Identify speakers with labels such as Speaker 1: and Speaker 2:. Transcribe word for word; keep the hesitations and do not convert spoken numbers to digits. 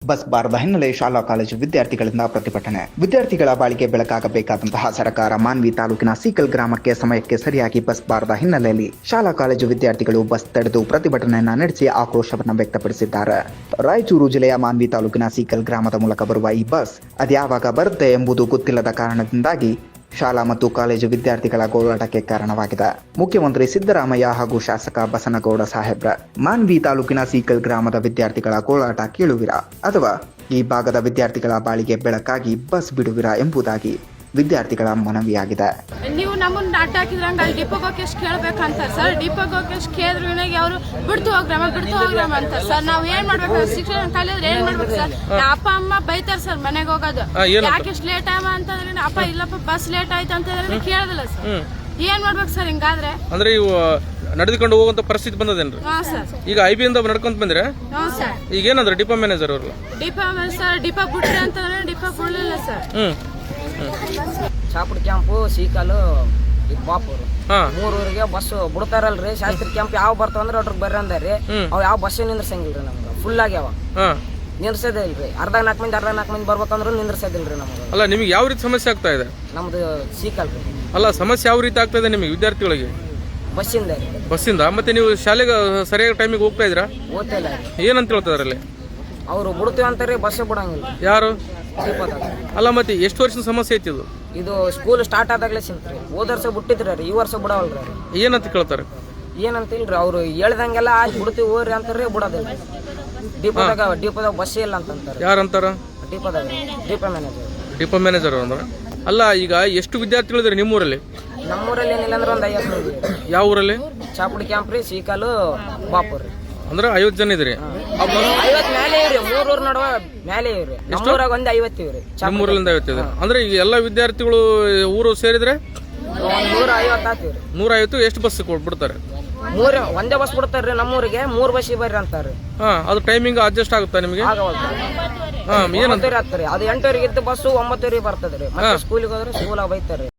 Speaker 1: Bus ಬಾರದ ಹಿನ್ನೆಲೆ ಶಾಲಾ ಕಾಲೇಜು ವಿದ್ಯಾರ್ಥಿಗಳಿಂದ ಪ್ರತಿಭಟನೆ. ವಿದ್ಯಾರ್ಥಿಗಳ ಬಾಳಿಗೆ ಬೆಳಕಾಗಬೇಕಾದಂತಹ ಸರ್ಕಾರ ಮಾನ್ವಿ ತಾಲೂಕಿನ ಸೀಕಲ್ ಗ್ರಾಮಕ್ಕೆ ಸಮಯಕ್ಕೆ ಸರಿಯಾಗಿ ಬಸ್ ಬಾರದ ಹಿನ್ನೆಲೆಯಲ್ಲಿ ಶಾಲಾ ಕಾಲೇಜು ವಿದ್ಯಾರ್ಥಿಗಳು ಬಸ್ ತಡೆದು ಪ್ರತಿಭಟನೆಯನ್ನ ನಡೆಸಿ ಆಕ್ರೋಶವನ್ನು ವ್ಯಕ್ತಪಡಿಸಿದ್ದಾರೆ. ರಾಯಚೂರು ಜಿಲ್ಲೆಯ ಮಾನ್ವಿ ತಾಲೂಕಿನ ಸೀಕಲ್ ಗ್ರಾಮದ ಮೂಲಕ ಬರುವ ಈ ಬಸ್ ಅದ್ಯಾವಾಗ ಬರುತ್ತೆ ಎಂಬುದು ಗೊತ್ತಿಲ್ಲದ ಕಾರಣದಿಂದಾಗಿ ಶಾಲಾ ಮತ್ತು ಕಾಲೇಜು ವಿದ್ಯಾರ್ಥಿಗಳ ಗೋಳಾಟಕ್ಕೆ ಕಾರಣವಾಗಿದೆ. ಮುಖ್ಯಮಂತ್ರಿ ಸಿದ್ದರಾಮಯ್ಯ ಹಾಗೂ ಶಾಸಕ ಬಸನಗೌಡ ಸಾಹೇಬ್ರ ಮಾನ್ವಿ ತಾಲೂಕಿನ ಸೀಕಲ್ ಗ್ರಾಮದ ವಿದ್ಯಾರ್ಥಿಗಳ ಗೋಳಾಟ ಕೇಳುವಿರಾ ಅಥವಾ ಈ ಭಾಗದ ವಿದ್ಯಾರ್ಥಿಗಳ ಬಾಳಿಗೆ ಬೆಳಕಾಗಿ ಬಸ್ ಬಿಡುವಿರಾ ಎಂಬುದಾಗಿ ವಿದ್ಯಾರ್ಥಿಗಳ ಮನವಿಯಾಗಿದೆ.
Speaker 2: ನೀವು ನಮ್ಮನ್ನ ಅಡ್ಡ ಹಾಕಿದ್ರಂಗ ಅಲ್ಲಿ ಡಿಪೋಗೆ ಹೋಗಿ ಎಷ್ಟು ಕೇಳ್ಬೇಕಂತಾರೆ ಸರ್. ಡಿಪೋಗೆ ಹೋಗಿ ಎಷ್ಟು ಕೇಳಿದ್ರು ವಿನಾಗಿ ಅವರು ಬಿಡ್ತು ಹೋಗ್ರಾಮ ಬಿಡ್ತು ಹೋಗ್ರಾಮ ಅಂತಾರೆ ಸರ್. ನಾವ್ ಏನ್ ಮಾಡ್ಬೇಕು? ಶಿಕ್ಷಣ ಕಲಿಯೋದ್ರೆ ಏನ್ ಮಾಡ್ಬೇಕು ಸರ್? ಅಪ್ಪ ಅಮ್ಮ ಬೈತಾರ ಸರ್ ಮನೆಗೆ ಹೋಗೋದು. ಯಾಕೆ ಎಷ್ಟು ಲೇಟ್ ಆಗ ಅಂತಂದ್ರೆ ಅಪ್ಪ ಇಲ್ಲಪ್ಪ ಬಸ್ ಲೇಟ್ ಆಯ್ತು ಅಂತಂದ್ರೆ ಕೇಳೋದಿಲ್ಲ ಸರ್. ಏನ್ ಮಾಡ್ಬೇಕು ಸರ್ ಹಿಂಗಾದ್ರೆ?
Speaker 3: ಅಂದ್ರೆ ಇವು ನಡೆದುಕೊಂಡು ಹೋಗುವಂತ ಪರಿಸ್ಥಿತಿ ಬಂದದೇನ್ರಿ?
Speaker 2: ಹಾ ಸರ್.
Speaker 3: ಈಗ ಐ ಬಿ ಇಂದ ನಡ್ಕೊಂತ ಬಂದ್ರೆ
Speaker 2: ಹ್ಞೂ ಸರ್.
Speaker 3: ಈಗ ಏನಂದ್ರೆ ಡಿಪೋ ಮ್ಯಾನೇಜರ್ ಅವರು
Speaker 2: ಡಿಪೋ ಸರ್ ಡಿಪೋ ಬಿಡ್ರಿ ಅಂತಂದ್ರೆ ಡಿಪೋ ಬಿಡ್ಲಿಲ್ಲ ಸರ್.
Speaker 3: ಹ್ಮ್
Speaker 4: ಚಾಪುಡಿ ಕ್ಯಾಂಪು ಸೀಕಲು ಬಾಪೂರು ಮೂರೂರಿಗೆ ಬಸ್ ಬಿಡ್ತಾರಲ್ರಿ. ಶಾಸ್ತ್ರಿ ಕ್ಯಾಂಪ್ ಯಾವ ಬರ್ತಾವ ಅಂದ್ರೆ ಅಟ್ರಿಗೆ ಬರ್ರಿ ಅಂದಾರಿ. ಅವ್ ಯಾವ ಬಸ್ ನಿಂದ್ರಸಂಗಿಲ್ರಿ ನಮ್ಗೆ. ಫುಲ್ ಆಗ್ಯಾವ, ನಿಂದ್ರಸದೇ ಇಲ್ರಿ. ಅರ್ಧ ನಾಲ್ಕು ಮಂದಿ ಅರ್ಧ ನಾಲ್ಕು ಮಂದಿ ಬರ್ಬೇಕಂದ್ರೆ ನಿಂದ್ರಸದಿಲ್ರಿ ನಮ್ಗೆ.
Speaker 3: ಅಲ್ಲ ನಿಮ್ಗೆ ಯಾವ ರೀತಿ ಸಮಸ್ಯೆ ಆಗ್ತಾ ಇದೆ?
Speaker 4: ನಮ್ದು ಸೀಕಲ್ ರೀ.
Speaker 3: ಅಲ್ಲ ಸಮಸ್ಯೆ ಯಾವ ರೀತಿ ಆಗ್ತಾ ಇದೆ ನಿಮಗೆ ವಿದ್ಯಾರ್ಥಿಗಳಿಗೆ?
Speaker 4: ಬಸ್ಸಿಂದ
Speaker 3: ಬಸ್ಸಿಂದ. ಮತ್ತೆ ನೀವು ಶಾಲೆಗೆ ಸರಿಯಾಗಿ ಟೈಮಿಗೆ ಹೋಗ್ತಾ ಇದ್ರಾ?
Speaker 4: ಓದ್ತಾ ಇಲ್ಲ.
Speaker 3: ಏನಂತ ಹೇಳ್ತಾರಲ್ಲಿ?
Speaker 4: ಅವ್ರು ಬಿಡ್ತೀವಿ ಅಂತಾರೆ, ಬಸ್ ಬಿಡಂಗಿಲ್ಲ.
Speaker 3: ಯಾರು?
Speaker 4: ದೀಪದಾಗ.
Speaker 3: ಅಲ್ಲ ಮತ್ತೆ ಎಷ್ಟು ವರ್ಷದ ಸಮಸ್ಯೆ ಐತಿ ಇದು?
Speaker 4: ಇದು ಸ್ಕೂಲ್ ಸ್ಟಾರ್ಟ್ ಆದಾಗ್ಲೇ ಸಿಂತ್ರಿ. ಹೋದ ವರ್ಷ ಬಿಟ್ಟಿದ್ರಿ, ಈ ವರ್ಷ ಬಿಡವಲ್ರಿ.
Speaker 3: ಏನಂತ ಕೇಳ್ತಾರೆ?
Speaker 4: ಏನಂತ ಇಲ್ರಿ, ಅವ್ರು ಹೇಳ್ದಂಗೆಲ್ಲ ಆಯ್ತು ಬಿಡ್ತೀವಿ ಹೋಗ್ರಿ ಅಂತಾರ್ರಿ, ಬಿಡೋದಿಲ್ಲ. ಡಿಪೋದಾಗ ಡಿಪೋದಾಗ ಬಸ್ ಇಲ್ಲ ಅಂತಂತಾರೆ.
Speaker 3: ಯಾರಂತಾರ?
Speaker 4: ಡಿಪೋದಾಗ ಡಿಪೋ ಮ್ಯಾನೇಜರ್.
Speaker 3: ಡಿಪೋ ಮ್ಯಾನೇಜರ್ ಅಂದ್ರೆ ಅಲ್ಲ. ಈಗ ಎಷ್ಟು ವಿದ್ಯಾರ್ಥಿಗಳಿದ್ರೆ ನಿಮ್ಮೂರಲ್ಲಿ?
Speaker 4: ನಮ್ಮೂರಲ್ಲಿ ಏನಿಲ್ಲ ಅಂದ್ರೆ ಒಂದು ಐವತ್ತು ಮಂದಿ.
Speaker 3: ಯಾವ ಊರಲ್ಲಿ?
Speaker 4: ಚಾಪುಡಿ ಕ್ಯಾಂಪ್ ರೀ, ಸೀಕಲು ಬಾಪೂರ್ ರೀ.
Speaker 3: ಅಂದ್ರೆ ಐವತ್ತು ಜನ ಇದ್ರಿ?
Speaker 4: ಐವತ್ ಮೇಲೆ ಇವ್ರಿ, ಮೂರೂರ್ ನಡುವ ಮೇಲೆ ಇವ್ರಿ. ನಮ್ಮೂರಾಗ ಒಂದ್ ಐವತ್ತು ಇವ್ರಿ.
Speaker 3: ನಿಮ್ಮೂರಲ್ಲಿಂದ ಐವತ್ತಿದೆ ಅಂದ್ರೆ ಈಗ ಎಲ್ಲ ವಿದ್ಯಾರ್ಥಿಗಳು ಊರು ಸೇರಿದ್ರೆ
Speaker 4: ಒಂದ್ ನೂರ ಐವತ್ತು ಆತಿವ್ರಿ.
Speaker 3: ನೂರ ಐವತ್ತು. ಎಷ್ಟು ಬಸ್ ಕೊಟ್ಬಿಡ್ತಾರೆ?
Speaker 4: ಮೂರ್ ಒಂದೇ ಬಸ್ ಬಿಡ್ತಾರ್ರಿ ನಮ್ಮೂರಿಗೆ. ಮೂರ್ ಬಸ್ ಬರ್ರಿ ಅಂತಾರ್ರಿ.
Speaker 3: ಹಾ, ಅದು ಟೈಮಿಂಗ್ ಅಡ್ಜಸ್ಟ್ ಆಗುತ್ತಾ ನಿಮಗೆ?
Speaker 4: ಆಗವಲ್ರಿ. ಅದು ಎಂಟೂವರೆಗೆ ಇದ್ದ ಬಸ್ಸು ಒಂಬತ್ತುವರೆಗೆ ಬರ್ತದ್ರಿ. ಮತ್ತೆ ಸ್ಕೂಲಿಗೆ ಹೋದ್ರೆ ಸ್ಕೂಲಾಗ ಬೈತಾರ್ರಿ.